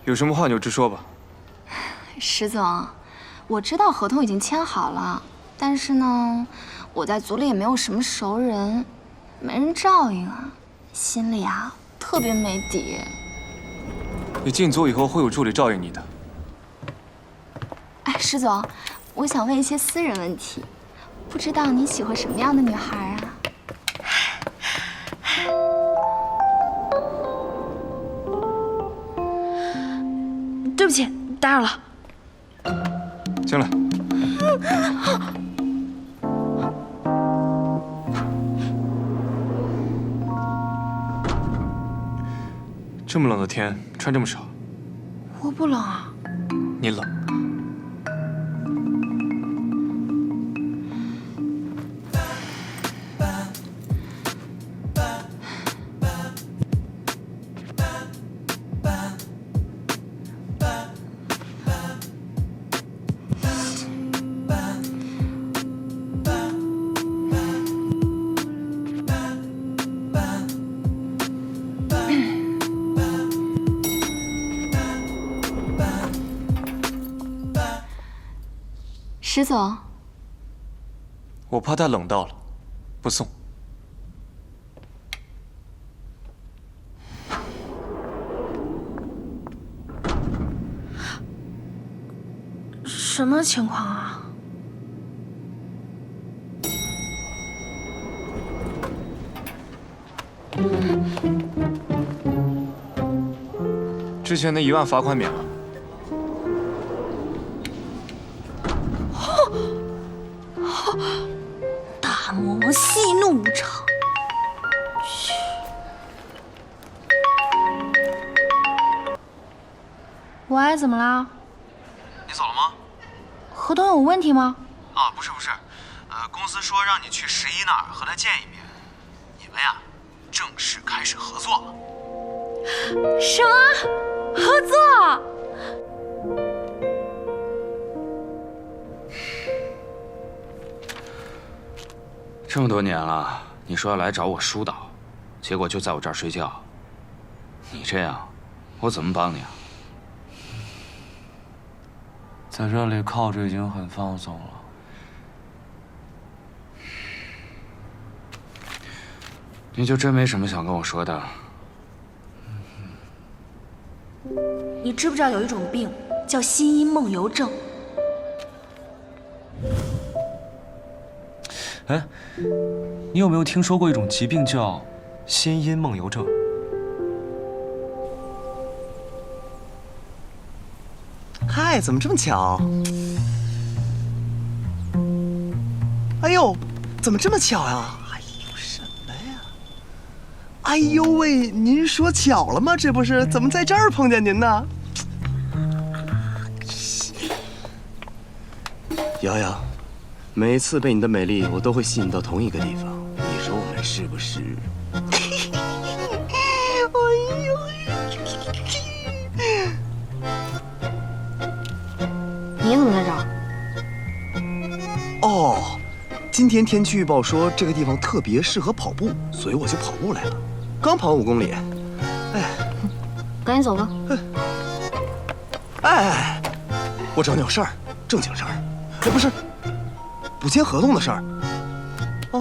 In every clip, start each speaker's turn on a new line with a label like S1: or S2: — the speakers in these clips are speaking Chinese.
S1: 有什么话你就直说吧。
S2: 石总，我知道合同已经签好了，但是呢，我在组里也没有什么熟人，没人照应啊，心里啊特别没底。
S1: 你进组以后会有助理照应你的。
S2: 哎，石总，我想问一些私人问题，不知道你喜欢什么样的女孩啊？
S3: 对不起，打扰了。
S1: 进来。这么冷的天，穿这么少。
S3: 我不冷啊。
S1: 你冷。
S2: 石总，
S1: 我怕他冷到了，不送。
S3: 什么情况啊？
S1: 之前那1万罚款免了。
S3: 大魔王息怒无常。喂，怎么啦？
S4: 你走了吗？
S3: 合同有问题吗？
S4: 啊，不是，公司说让你去11那儿和他见一面，你们呀，正式开始合作了。
S3: 什么？合作？
S5: 这么多年了，你说要来找我疏导，结果就在我这儿睡觉。你这样，我怎么帮你啊？
S6: 在这里靠着已经很放松了。
S5: 你就真没什么想跟我说的？
S3: 你知不知道有一种病叫心因梦游症？
S6: 哎，你有没有听说过一种疾病叫心因梦游症？
S7: 嗨，怎么这么巧？哎呦，怎么这么巧呀？哎呦，什么呀？哎呦喂，您说巧了吗？这不是怎么在这儿碰见您呢？瑶瑶，每次被你的美丽，我都会吸引到同一个地方。你说我们是不是？哎呦！
S3: 你怎么在这儿？
S7: 哦，今天天气预报说这个地方特别适合跑步，所以我就跑步来了。刚跑5公里，哎，
S3: 赶紧走吧。
S7: 哎，我找你有事儿，正经事儿。哎，不是，不签合同的事儿。啊。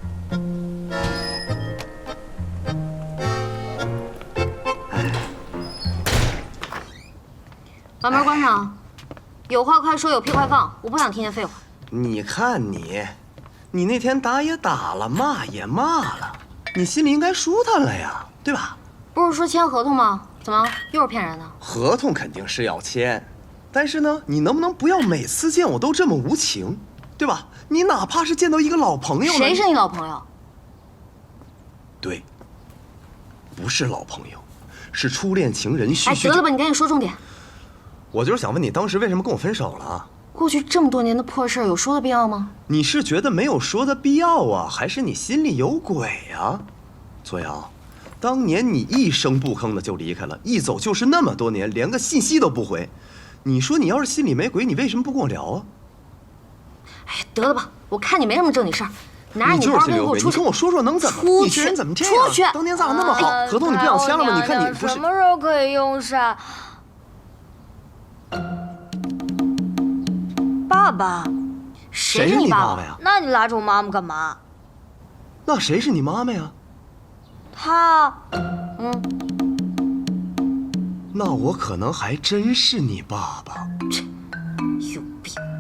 S8: 把门关上。有话快说，有屁快放，我不想听见废话。
S7: 你看你，你那天打也打了，骂也骂了，你心里应该舒坦了呀，对吧？
S8: 不是说签合同吗？怎么又是骗人的？
S7: 合同肯定是要签，但是呢，你能不能不要每次见我都这么无情，对吧？你哪怕是见到一个老朋友，
S8: 谁是你老朋友？
S7: 对，不是老朋友，是初恋情人
S8: 哎，得了吧，你赶紧说重点。
S7: 我就是想问你，当时为什么跟我分手了？
S8: 过去这么多年的破事，有说的必要吗？
S7: 你是觉得没有说的必要啊，还是你心里有鬼啊？左瑶，当年你一声不吭的就离开了，一走就是那么多年，连个信息都不回。你说你要是心里没鬼，你为什么不跟我聊啊？
S8: 哎，得了吧，我看你没什么正经事儿，拿着
S7: 你
S8: 包给我出去。
S7: 你跟我说说能怎么？
S8: 出去！
S7: 你这人怎么这样？
S8: 出去！
S7: 当年咱俩那么好，合同你不想签了吗？你看你不是
S3: 什么时候可以用上？
S9: 爸爸，
S7: 谁是你爸爸呀？
S9: 那你拉着我妈妈干嘛？
S7: 那谁是你妈妈呀？
S9: 她，
S7: 那我可能还真是你爸爸。
S9: 有病。